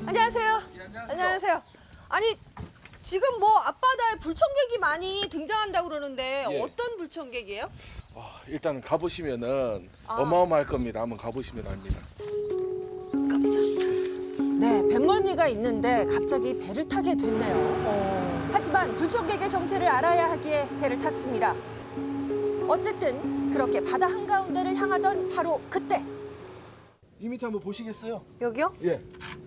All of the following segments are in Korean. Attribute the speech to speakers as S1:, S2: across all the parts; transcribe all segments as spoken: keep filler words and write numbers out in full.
S1: 안녕하세요.
S2: 예, 안녕하세요.
S1: 안녕하세요. 아니 지금 뭐 앞바다에 불청객이 많이 등장한다고 그러는데
S2: 예.
S1: 어떤 불청객이에요?
S2: 와, 일단 가보시면은
S1: 아.
S2: 어마어마할 겁니다. 한번 가보시면 압니다.
S1: 가보자. 네, 뱃멀미가 있는데 갑자기 배를 타게 됐네요.
S3: 어.
S1: 하지만 불청객의 정체를 알아야 하기에 배를 탔습니다. 어쨌든 그렇게 바다 한가운데를 향하던 바로 그때.
S2: 이 밑에 한번 보시겠어요?
S1: 여기요?
S2: 예.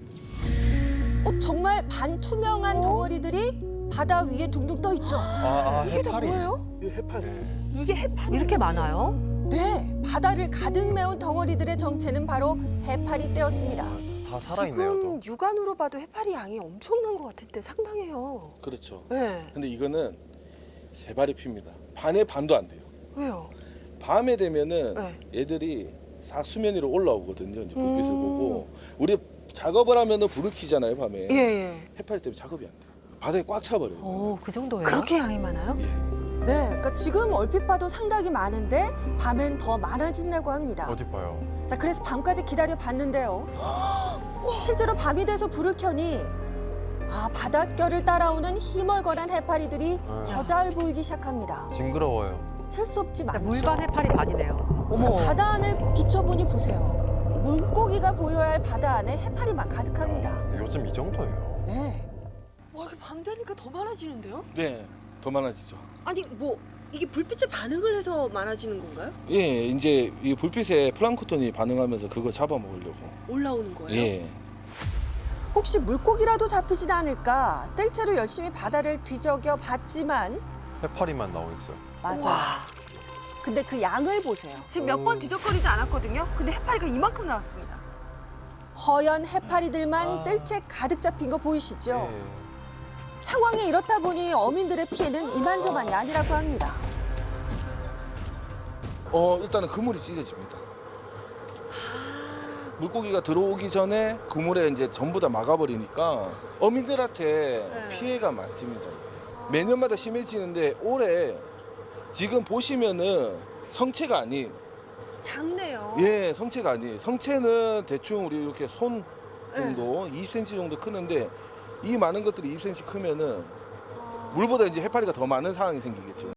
S1: 어, 정말 반투명한 덩어리들이 바다 위에 둥둥 떠 있죠.
S3: 아, 아,
S1: 이게 다
S3: 해파리.
S1: 뭐예요?
S2: 이 해파리.
S1: 이게 해파리.
S3: 이렇게 많아요?
S1: 네, 바다를 가득 메운 덩어리들의 정체는 바로 해파리 떼였습니다.
S3: 다 살아있네요.
S4: 지금
S3: 또.
S4: 육안으로 봐도 해파리 양이 엄청난 것 같은데 상당해요.
S2: 그렇죠.
S4: 네.
S2: 근데 이거는 세 발이 핍니다. 반의 반도 안 돼요.
S4: 왜요?
S2: 밤에 되면은
S4: 네.
S2: 얘들이 싹 수면 위로 올라오거든요. 이제 불빛을
S4: 음.
S2: 보고 우리 작업을 하면은 불을 켜잖아요, 밤에.
S4: 예, 예.
S2: 해파리 때문에 작업이 안 돼요. 바닥에 꽉 차버려요. 이거는.
S3: 오, 그 정도예요?
S4: 그렇게 양이 많아요?
S2: 예.
S1: 네, 그러니까 지금 얼핏 봐도 상당히 많은데 밤엔 더 많아진다고 합니다.
S3: 어디 봐요?
S1: 자, 그래서 밤까지 기다려 봤는데요. 실제로 밤이 돼서 불을 켜니 아, 바닷결을 따라오는 희멀건한 해파리들이
S3: 아.
S1: 더 잘 보이기 시작합니다.
S3: 징그러워요.
S1: 셀 수 없지 많죠.
S3: 물반 해파리 반이네요. 어머.
S1: 바다 안을 비춰보니 보세요. 물고기가 보여야 할 바다 안에 해파리만 가득합니다.
S3: 요즘 이 정도예요.
S1: 네.
S4: 와, 이게 밤 되니까 더 많아지는데요?
S2: 네. 더 많아지죠.
S4: 아니, 뭐 이게 불빛에 반응을 해서 많아지는 건가요?
S2: 예, 이제 이 불빛에 플랑크톤이 반응하면서 그거 잡아먹으려고.
S4: 올라오는 거예요?
S2: 예.
S1: 혹시 물고기라도 잡히진 않을까 뜰채로 열심히 바다를 뒤적여 봤지만
S3: 해파리만 나오고 있어요.
S1: 맞아. 근데 그 양을 보세요.
S4: 지금 몇 번 뒤적거리지 않았거든요. 근데 해파리가 이만큼 나왔습니다.
S1: 허연 해파리들만
S3: 아.
S1: 뜰채 가득 잡힌 거 보이시죠?
S3: 네.
S1: 상황이 이렇다 보니 어민들의 피해는 이만저만이 아니라고 합니다.
S2: 어, 일단은 그물이 찢어집니다. 물고기가 들어오기 전에 그물에 이제 전부 다 막아버리니까 어민들한테
S4: 네.
S2: 피해가 많습니다. 매년마다 심해지는데 올해 지금 보시면은 성체가 아닌,
S4: 작네요.
S2: 예, 성체가 아니에요. 성체는 대충 우리 이렇게 손 정도, 이십 센티미터 정도 크는데 이 많은 것들이 이십 센티미터 크면은 물보다 이제 해파리가 더 많은 상황이 생기겠죠.